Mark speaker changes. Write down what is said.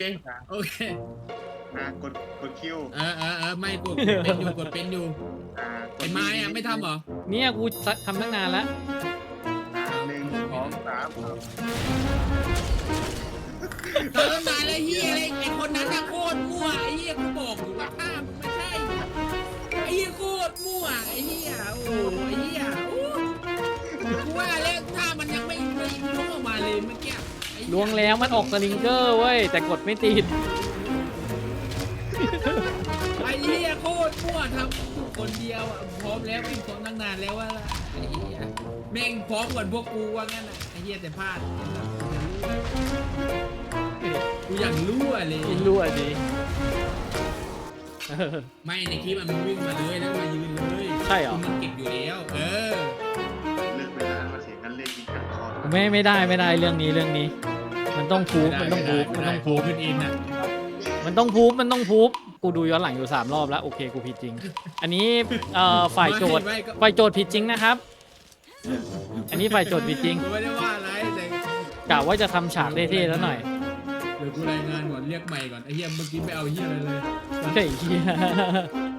Speaker 1: โอเค
Speaker 2: กดคิว
Speaker 1: ไม่กดเป็นอยู่ไอ้ไม้อะไม่ทำเหรอ
Speaker 3: เนี่ยกูทำตั้งนานแล้ว
Speaker 2: 1 2 3
Speaker 1: ตอนนั้นนานเลยเฮียไอ้คนนั้นน่ะโคตรมั่วไอ้เฮียกูบอกอยู่ว่าถ้ามึงไม่ใช่ไอ้เฮียโคตรมั่วไอ้เฮียโอ้ไอ้เฮียกูว่าเล่นถ้ามันยังไม่ล่วงมาเลยเมื่อกี้
Speaker 3: ล้วงแล้วมันออกสลิงเกอร์เว้ยแต่กดไม่ติด
Speaker 1: ไอ้เหี้ยโคตรมั่วทำคนเดียวอ่ะพร้อมแล้ววิ่งพร้อมตั้งนานแล้วว่าไอ้เหี้ยแม่งพร้อมก่อนพวกกูว่างั้นอ่ะไอ้เหี้ยแต่พลาดกูอย่างรั่วเลย
Speaker 3: รั่วดิ
Speaker 1: ไม่ในคลิปมันวิ่งมาเลยแล้วมายืนเลย
Speaker 3: ใช่เหรอ
Speaker 1: มันเก็บอยู่แล้ว
Speaker 2: เลิกเวลามาเสียงกันเล่นยิงกันคอ
Speaker 3: ไม่ได้เรื่องนี้มันต้องพูบขึ้นอินนะมันต้องพูบกูดูย้อนหลังอยู่3 รอบแล้วโอเคกูผิดจริงอันนี้ฝ่ายโจทย์ผิดจริงนะครับอันนี้ฝ่ายโจทย์ผิดจริง
Speaker 1: ไม่ได้ว่าอะไรแต่
Speaker 3: กะว่าจะทำฉากเท่ๆแล้วหน่อย
Speaker 1: เดี๋ยวกูรายงานก่อนเรียกใหม่ก่อนไอ้เหี้ยเมื่อกี้ไม่เอาเหี้ยอะไรเลย
Speaker 3: เฮ้ย